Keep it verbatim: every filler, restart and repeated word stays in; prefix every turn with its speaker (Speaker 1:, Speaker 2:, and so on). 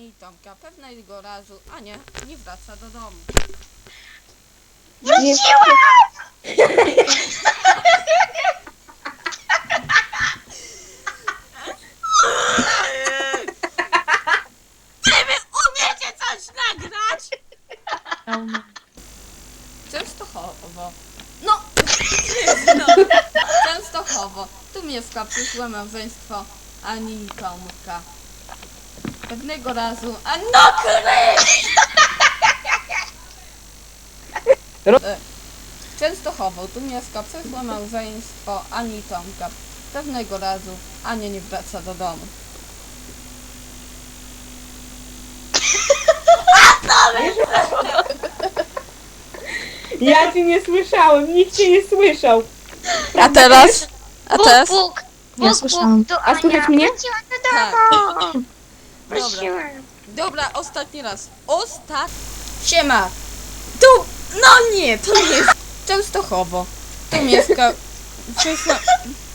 Speaker 1: Ani i Tomka. Pewnego razu Ania nie wraca do domu.
Speaker 2: Wróciłem!
Speaker 1: Czy wy umiecie coś nagrać? Częstochowo. No! Częstochowo. Tu mieszka przyszłe małżeństwo Ani i Tomka. Pewnego razu... A no kryj! E, Częstochowo. Tu mieszka przyszłe małżeństwo Ani i Tomka. Pewnego razu Ania nie wraca do domu.
Speaker 3: Ja cię nie słyszałem, nikt cię nie słyszał.
Speaker 1: A teraz? A teraz?
Speaker 2: Bóg, Bóg,
Speaker 4: Ja
Speaker 2: Bóg,
Speaker 4: słyszałam.
Speaker 2: Bóg, to
Speaker 3: A słychać
Speaker 2: Ania.
Speaker 3: mnie?
Speaker 2: Wróciłem do
Speaker 1: Tak.
Speaker 2: domu.
Speaker 1: Dobra.
Speaker 2: Wróciłem.
Speaker 1: Dobra, ostatni raz. Ostat... Siema! Tu... No nie, to nie jest... Częstochowo. Tu mieszka... Przyszła...